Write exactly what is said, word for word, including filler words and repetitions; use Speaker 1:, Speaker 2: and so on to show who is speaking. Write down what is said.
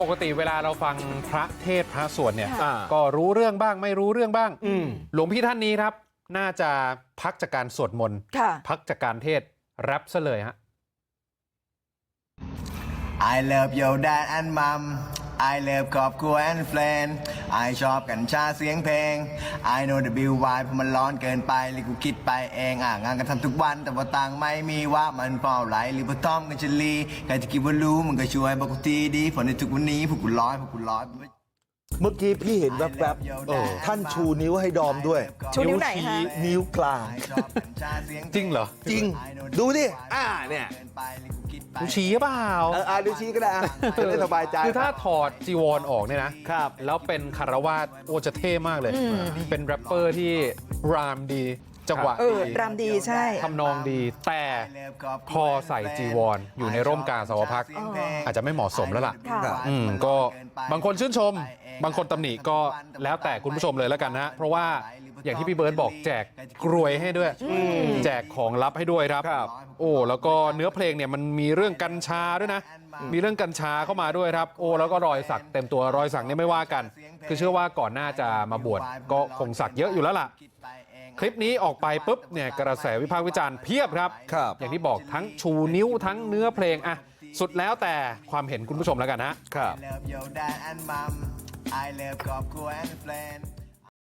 Speaker 1: ปกติเวลาเราฟังพระเทศน์พระสวดเนี่ย
Speaker 2: อ่า
Speaker 1: ก็รู้เรื่องบ้างไม่รู้เรื่องบ้าง
Speaker 2: อืม
Speaker 1: หลวงพี่ท่านนี้ครับ น่าจะพักจากการสวดมนต์
Speaker 3: ค่ะ
Speaker 1: พักจากการเทศน์แรปซะเลยฮะ
Speaker 4: I love your dad and mom I love ครอบครัว and friend I ชอบกัญชาเสียงเพลง I know the bill why เพราะมันร้อนเกินไปหรือกูคิดไปเองอ่ะงานกันทำทุกวันแต่ว่าตังค์ไม่มีว่ามันเปล่าไหลหรือพอทอมกันจะลีใครจะคิดว่ารู้มันก็ช่วยบอกกูทีดีเพราะในทุกวันนี้พวกกูร้อยพวกกูร้อย
Speaker 2: เมื่อกี้พี่เห็นแวบๆเออท่านชูนิ้วให้ดอมด้วย
Speaker 3: ชูนิ้วไหนคะ
Speaker 2: นิ้วกลาง
Speaker 1: จริงเหรอ
Speaker 2: จริง ดูดิ อ่า เนี่ย
Speaker 1: ดูชี้เปล่า
Speaker 2: เอออ่าดูชี้ก็ได้อ่ะจะได้สบายใจ
Speaker 1: คือถ้าถอดจีวรออกเนี่ยนะครับ แล้วเป็นคารวาสโอจะเท่มากเลย เป็นแรปเปอร์ที่รามดีจังหวะ
Speaker 3: เออ
Speaker 1: ดี
Speaker 3: รำดีใช่
Speaker 1: ทำนองดี แต่พอใส่จีวรอยู่ในร่มกาสาวพักตร์อาจจะไม่เหมาะสมแล้วล่ะ
Speaker 3: ค่ะ
Speaker 1: อืมก็บางคนชื่นชม บางคนตำหนิก็แล้วแต่คุณผู้ชมเลยแล้วกันนะ เพราะว่าอย่างที่พี่เบิร์ดบอกแจกกรวยให้ด้วย แจกของลับให้ด้วยครับ
Speaker 2: ครับ
Speaker 1: โอ้แล้วก็เนื้อเพลงเนี่ยมันมีเรื่องกัญชาด้วยนะ มีเรื่องกัญชาเข้ามาด้วยครับ โอ้แล้วก็รอยสักเต็มตัวรอยสักเนี่ยไม่ว่ากัน คือเชื่อว่าก่อนหน้าจะมาบวชก็คงสักเยอะอยู่แล้วล่ะ คลิปนี้ออกไปปุ๊บเนี่ยกระแสวิพากษ์วิจารณ์เพียบครับ
Speaker 2: ครับ
Speaker 1: อย่างที่บอกทั้งชูนิ้วทั้งเนื้อเพลงอะสุดแล้วแต่ความเห็นคุณผู้ชมแล้วกันนะ
Speaker 2: ครับ
Speaker 4: I love your dad and mom I love ครอบครัว and friend